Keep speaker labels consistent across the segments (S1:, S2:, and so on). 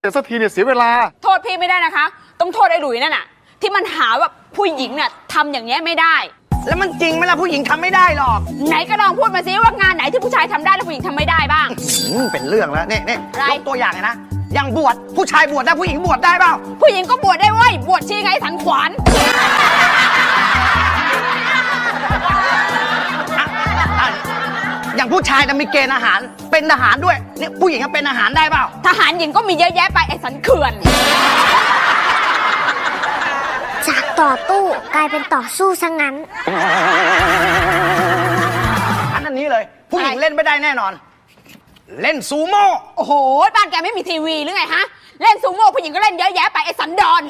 S1: แต่สักทีเนี่ยเสียเวลา
S2: โทษพี่ไม่ได้นะคะต้องโทษไอ้หลุยนั่นน่ะที่มันหาว่าผู้หญิงเนี่ยทำอย่างเงี้ยไม่ได้
S3: แล้วมันจริงไหมล่ะผู้หญิงทำไม่ได้หรอก
S2: ไหนก็ลองพูดมาซิว่างานไหนที่ผู้ชายทำได้แล้วผู้หญิงทำไม่ได้บ้าง
S3: เป็นเรื่องแล้วนี่ยกตัวอย่างเลยนะอย่างบวชผู้ชายบวชได้ผู้หญิงบวชได้เปล่า
S2: ผู้หญิงก็บวชได้เว้ยบวชชีไงสันขวาน
S3: อย่างผู้ชายจะมีเกณฑ์อาหารเป็นทหารด้วยนี่ผู้หญิงก็เป็นอาหารได้เปล่า
S2: ทหารหญิงก็มีเยอะแยะไปไอ้สันเขื่อน
S4: จากต่อตู้กลายเป็นต่อสู้ซะงั้น
S3: อันนี้เลยผู้หญิงเล่นไม่ได้แน่นอนเล่นซูโม่
S2: โอ้โหบ้านแกไม่มีทีวีหรือไงฮะเล่นซูโม่ผู้หญิงก็เล่นเยอะแยะไปไอ้สันดอน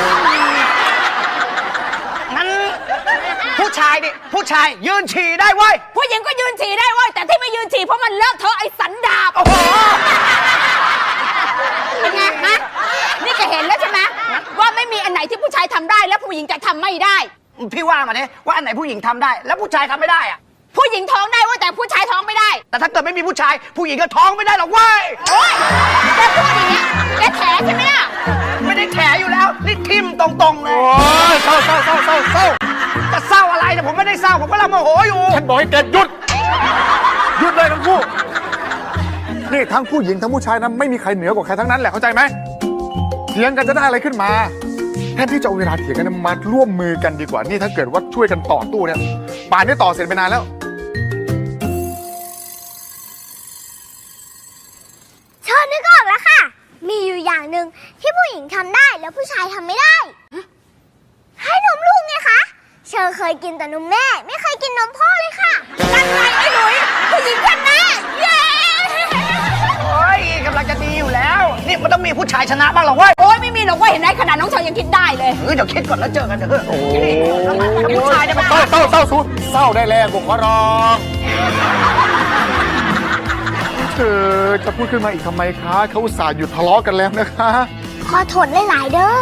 S3: งั้นผู้ชายดิผู้ชายยืนฉี่ได้เว้ย
S2: ผู้หญิงก็ยืนฉี่ได้เว้ยแต่ที่ไม่ยืนฉี่เพราะมันเลอะเทอะไอ้สันดาบ
S3: โอ้โห
S2: เป็นไงฮะนี่แกเห็นแล้วใช่ไหมว่าไม่มีอันไหนที่ผู้ชายทำได้แล้วผู้หญิงจะทำไม่ได้
S3: พี่ว่ามาดิว่าอันไหนผู้หญิงทำได้แล้วผู้ชายทำไม่ได้อะ
S2: ผู้หญิงท้องได้ว่าแต่ผู้ชายท้องไม่ได้
S3: แต่ถ้าเกิดไม่มีผู้ชายผู้หญิงก็ท้องไม่ได้หรอกเว้ย
S2: โอ๊ยแกพูดอย่างเงี้ยแกแถใช่ไหมล่ะ
S3: ไม่ได้แถอยู่แล้วนี่ทิมตรงๆเลย
S1: โอ้ยเศร้า
S3: จะเศร้าอะไรเนี่ยผมไม่ได้เศร้าผมกำลังโมโหอยู่
S1: ฉันบอกให้แกหยุดเลยทั้งคู่นี่ทั้งผู้หญิงทั้งผู้ชายนะไม่มีใครเหนือกว่าใครทั้งนั้นแหละเข้าใจไหมเถียงกันจะได้อะไรขึ้นมาแทนที่จะเอาเวลาเถียงกันมาร่วมมือกันดีกว่านี่ถ้าเกิดว่าช่วยกันต่อตู้เนี่ยป่านนี้ต่อเสร็จไปนานแล้ว
S4: เชิญนึกออกแล้วค่ะมีอยู่อย่างหนึ่งที่ผู้หญิงทำได้แล้วผู้ชายทำไม่ได้ให้นมลูกไงคะเชอเคยกินแต่นมแม่ไม่เคยกินนมพ่อเลยค่ะ
S2: นั่นไงไอ้หลุยผู้หญิงชนะเย้
S3: โอ้ยกำลังจะดีอยู่แล้วนี่มันต้องมีผู้ชายชนะบ้างหรอเว้ย
S2: โอ้ยไม่มีหรอกว่าเห็นไหมขนาดน้องเชอยังคิดได้เลย
S3: เดี๋ยวคิดก่อนแล้วเจอกันเถอะผู้ชายเนี่ยมัน
S1: เศร้าได้แล้วผมขอร้องเธอจะพูดขึ้นมาอีกทำไมคะเขาอุตส่าห์หยุดทะเลาะกันแล้วนะคะ
S4: ขอโทษหลายๆเด้อ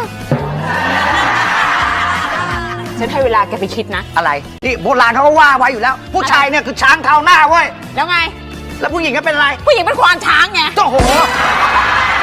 S2: ฉันให้เวลาแกไปคิดนะ
S3: อะไรนี่โบราณเขาก็ว่าไว้อยู่แล้วผู้ชายเนี่ยคือช้างเท้าหน้าเว้ย
S2: แล้วไง
S3: แล้วผู้หญิงก็เป็นอะไร
S2: ผู้หญิงเป็นควานช้างไง
S3: โอ้โห